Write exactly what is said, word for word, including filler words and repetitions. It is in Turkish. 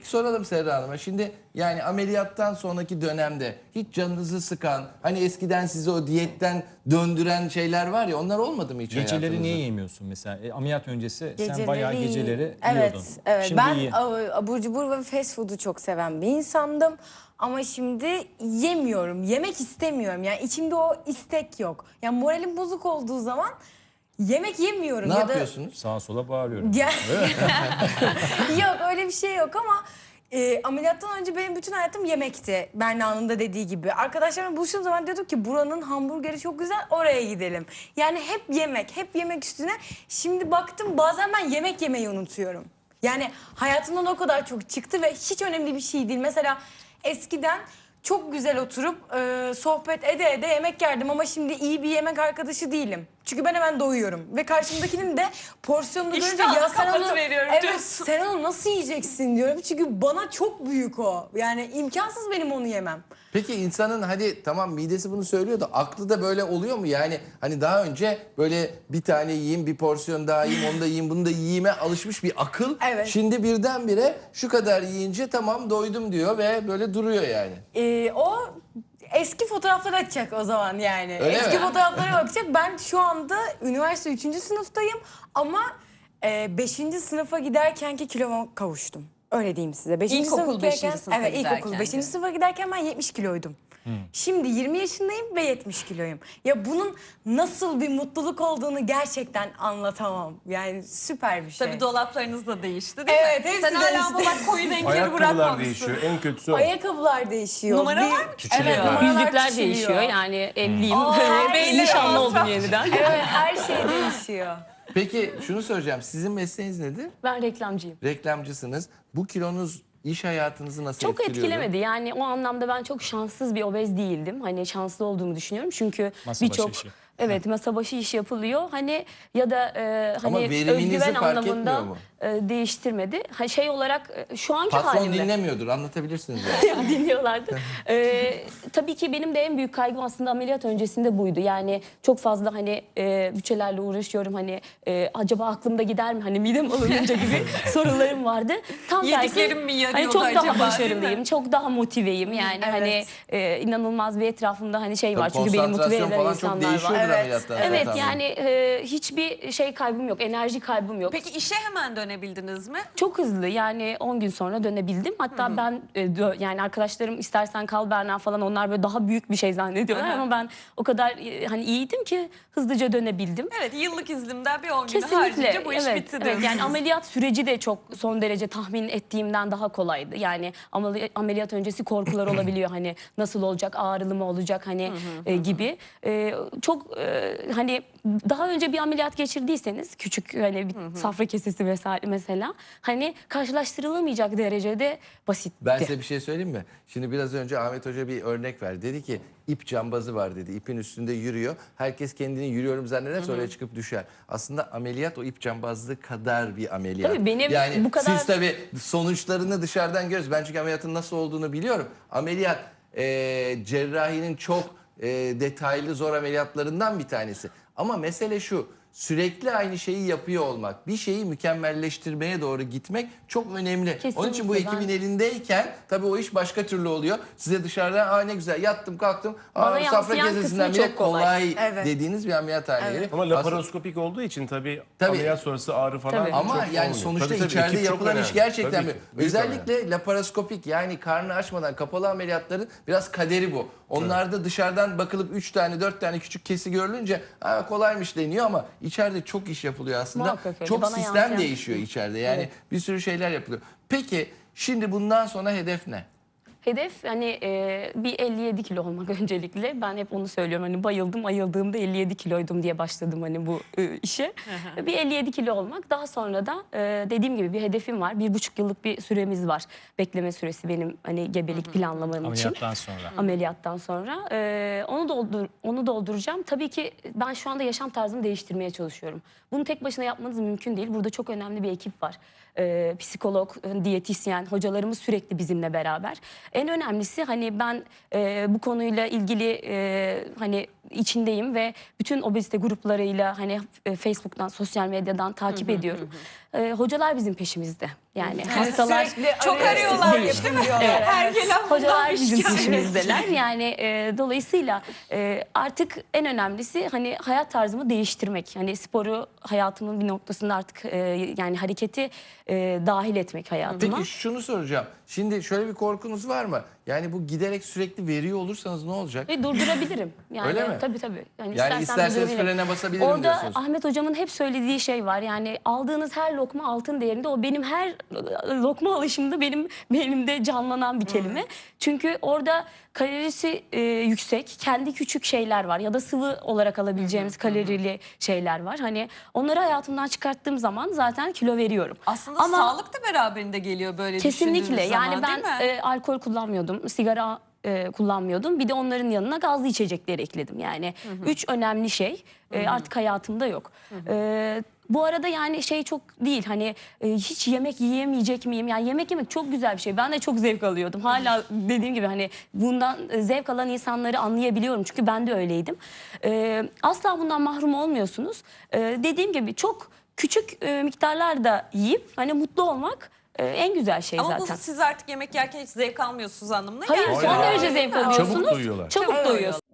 Peki soralım Serra Hanım'a. Şimdi yani ameliyattan sonraki dönemde hiç canınızı sıkan, hani eskiden sizi o diyetten döndüren şeyler var ya, onlar olmadı mı hiç Geceleri hayatınızda? niye yemiyorsun mesela? E, ameliyat öncesi Geceleri, sen bayağı geceleri evet, yiyordun. evet. Şimdi Ben iyi. abur cubur ve fast food'u çok seven bir insandım. Ama şimdi yemiyorum, yemek istemiyorum. Yani içimde o istek yok. Yani moralim bozuk olduğu zaman yemek yemiyorum. Ne ya yapıyorsunuz? Sağa sola bağırıyorum. Da... Yok, öyle bir şey yok ama e, ameliyattan önce benim bütün hayatım yemekti. Berna'nın da dediği gibi. Arkadaşlarımla buluştuğum zaman diyorduk ki buranın hamburgeri çok güzel, oraya gidelim. Yani hep yemek, hep yemek üstüne. Şimdi baktım bazen ben yemek yemeyi unutuyorum. Yani hayatımdan o kadar çok çıktı ve hiç önemli bir şey değil. Mesela eskiden çok güzel oturup e, sohbet ede ede yemek yerdim ama şimdi iyi bir yemek arkadaşı değilim. Çünkü ben hemen doyuyorum ve karşımdakinin de porsiyonunu görünce İştahlı ya sen onu, kapatıveriyorum evet, diyorsun. sen onu nasıl yiyeceksin diyorum. Çünkü bana çok büyük o. Yani imkansız benim onu yemem. Peki insanın hadi tamam midesi bunu söylüyor da aklı da böyle oluyor mu? Yani hani daha önce böyle bir tane yiyeyim, bir porsiyon daha yiyeyim, onu da yiyeyim, bunu da yiyeyime alışmış bir akıl. Evet. Şimdi birdenbire şu kadar yiyince tamam doydum diyor ve böyle duruyor yani. Ee, o eski fotoğrafları açacak o zaman yani. Öyle eski mi? fotoğraflara bakacak. Ben şu anda üniversite üçüncü sınıftayım ama e, beşinci sınıfa giderkenki kiloma kavuştum. Öyle diyeyim size. Beşinci İlkokul sınıfa beşinci giderken- sınıfa Evet, ilkokul giderken beşinci de. sınıfa giderken ben yetmiş kiloydum. Şimdi yirmi yaşındayım ve yetmiş kiloyum. Ya bunun nasıl bir mutluluk olduğunu gerçekten anlatamam. Yani süper bir şey. Tabii dolaplarınız da değişti değil Evet, mi? hepsi Sen hala değişti. ama bak koyu renkleri Ayakkabılar bırakmamışsın. değişiyor. En kötüsü o. Ayakkabılar değişiyor. Numaralar Bir- mı küçülüyor? Evet, numaralar Yüzükler küçülüyor. değişiyor. Yani evliyim. Aa, belli. Nişanlı oldum Masraf. yeniden. Evet, her şey değişiyor. Peki şunu soracağım. Sizin mesleğiniz nedir? Ben reklamcıyım. Reklamcısınız. Bu kilonuz iş hayatınızı nasıl Çok etkiliyordu? etkilemedi. Yani o anlamda ben çok şanssız bir obez değildim. Hani şanslı olduğumu düşünüyorum. Çünkü Masa başı birçok işi. evet masa başı iş yapılıyor. Hani ya da e, Ama hani veriminizi özgüven fark anlamında etmiyor mu? e, değiştirmedi. Ha, şey olarak e, şu anki Patron halimde dinlemiyordur. Anlatabilirsiniz yani. dinliyorlardı. Ee, tabii ki benim de en büyük kaygım aslında ameliyat öncesinde buydu. Yani çok fazla hani e, bütçelerle uğraşıyorum. Hani e, acaba aklımda gider mi? Hani midem alınınca gibi sorularım vardı. Tam Yediklerim mi yarıyordu hani çok acaba, daha değil başarılıyım. mi? Çok daha motiveyim. Yani Evet. hani e, inanılmaz bir etrafımda hani şey var. Tabii Çünkü beni motive konsantrasyon eden falan çok insanlar değişiyordur var. Evet, ameliyattan sonra Evet tahmin. yani e, hiçbir şey kaybım yok. Enerji kaybım yok. Peki işe hemen dönebildiniz mi? Çok hızlı yani on gün sonra dönebildim. Hatta ben e, dö- yani arkadaşlarım istersen kal Berna falan onlar böyle daha büyük bir şey zannediyorlar Hı hı. ama ben o kadar e, hani iyiydim ki hızlıca dönebildim. Evet, yıllık iznimden bir on günü Kesinlikle. harcayınca bu iş evet, bitti evet. diyorsunuz. Yani ameliyat süreci de çok son derece tahmin ettiğimden daha kolaydı. Yani ameli- ameliyat öncesi korkular olabiliyor. Hani nasıl olacak, ağrılı mı olacak hani e, gibi. E, çok e, hani daha önce bir ameliyat geçirdiyseniz küçük hani bir safra kesesi vesaire mesela hani karşılaştırılamayacak derecede basitti. Ben size bir şey söyleyeyim mi? Şimdi biraz önce Ahmet Hoca bir örnek verdi. Dedi ki ip cambazı var dedi. İpin üstünde yürüyor. Herkes kendini yürüyorum zanneder sonra çıkıp düşer. Aslında ameliyat o ip cambazlığı kadar bir ameliyat. Tabii benim yani bu kadar- siz tabii sonuçlarını dışarıdan görüyoruz. Ben çünkü ameliyatın nasıl olduğunu biliyorum. Ameliyat e, cerrahinin çok e, detaylı zor ameliyatlarından bir tanesi. Ama mesele şu. Sürekli aynı şeyi yapıyor olmak, bir şeyi mükemmelleştirmeye doğru gitmek çok önemli. Kesinlikle, Onun için bu ekibin ben- elindeyken tabii o iş başka türlü oluyor. Size dışarıdan aa ne güzel yattım kalktım. Bana Aa, safra yansıyan kesesinden kısmı bile çok kolay. kolay Evet. dediğiniz bir ameliyathane yeri. Ama Aslında- laparoskopik olduğu için tabii, Tabii. ameliyat sonrası ağrı falan Tabii. çok Ama yani olmuyor. sonuçta Tabii, tabii, içeride ekip çok yapılan iş önemli. gerçekten Tabii mi? ki, büyük Özellikle laparoskopik yani karnı açmadan kapalı ameliyatların biraz kaderi bu. Onlarda dışarıdan bakılıp üç tane dört tane küçük kesi görülünce "Aa, kolaymış deniyor ama içeride çok iş yapılıyor aslında. Muhakkak öyle. Çok Bana sistem yansıyan- değişiyor içeride yani Evet. bir sürü şeyler yapılıyor. Peki şimdi bundan sonra hedef ne? Hedef hani e, bir elli yedi kilo olmak öncelikle. Ben hep onu söylüyorum hani bayıldım ayıldığımda elli yedi kiloydum diye başladım hani bu e, işe. Bir elli yedi kilo olmak. Daha sonra da e, dediğim gibi bir hedefim var. Bir buçuk yıllık bir süremiz var. Bekleme süresi benim hani gebelik planlamam için. Ameliyattan sonra. Ameliyattan sonra. Ee, onu doldur onu dolduracağım. Tabii ki ben şu anda yaşam tarzımı değiştirmeye çalışıyorum. Bunu tek başına yapmanız mümkün değil. Burada çok önemli bir ekip var. Ee, psikolog, diyetisyen, hocalarımız sürekli bizimle beraber. En önemlisi hani ben e, bu konuyla ilgili e, hani içindeyim ve bütün obezite gruplarıyla hani e, Facebook'tan, sosyal medyadan takip ediyorum. E, hocalar bizim peşimizde. Yani hastalar Sürekli Çok arıyorlar, arıyorlar. yapıyorlar. Her gelen hocalar bundan bir bizim şikayet. peşimizdeler. Yani e, dolayısıyla e, artık en önemlisi hani hayat tarzımı değiştirmek. Hani sporu hayatımın bir noktasında artık e, yani hareketi e, dahil etmek hayatıma. Peki şunu soracağım. Şimdi şöyle bir korkunuz var mı? Yani bu giderek sürekli veriyor olursanız ne olacak? Ve durdurabilirim. Yani, Öyle mi? Tabii tabii. Yani, Yani istersen isterseniz durdurabilirim. frene basabilirim Orada diyorsunuz. Ahmet hocamın hep söylediği şey var. Yani aldığınız her lokma altın değerinde. O benim her lokma alışımda benim beynimde canlanan bir kelime. Çünkü orada kalorisi e, yüksek, kendi küçük şeyler var ya da sıvı olarak alabileceğimiz kalorili şeyler var. Hani onları hayatımdan çıkarttığım zaman zaten kilo veriyorum. Aslında Ama- sağlık da beraberinde geliyor böyle Kesinlikle. düşündüğünüz Yani zaman, ben değil mi? e, alkol kullanmıyordum, sigara e, kullanmıyordum. Bir de onların yanına gazlı içecekleri ekledim. Yani üç önemli şey e, artık hayatımda yok. E, bu arada yani şey çok değil hani e, hiç yemek yiyemeyecek miyim? Yani yemek yemek çok güzel bir şey. Ben de çok zevk alıyordum. Hala dediğim gibi hani bundan zevk alan insanları anlayabiliyorum. Çünkü ben de öyleydim. E, asla bundan mahrum olmuyorsunuz. E, dediğim gibi çok küçük e, miktarlarda yiyip hani mutlu olmak e, en güzel şey Ama zaten. bu siz artık yemek yerken hiç zevk almıyorsunuz anlamına Hayır gelmiyor. son Hayır. derece zevk Çabuk alıyorsunuz. doyuyorlar. Çabuk doyuyorsunuz.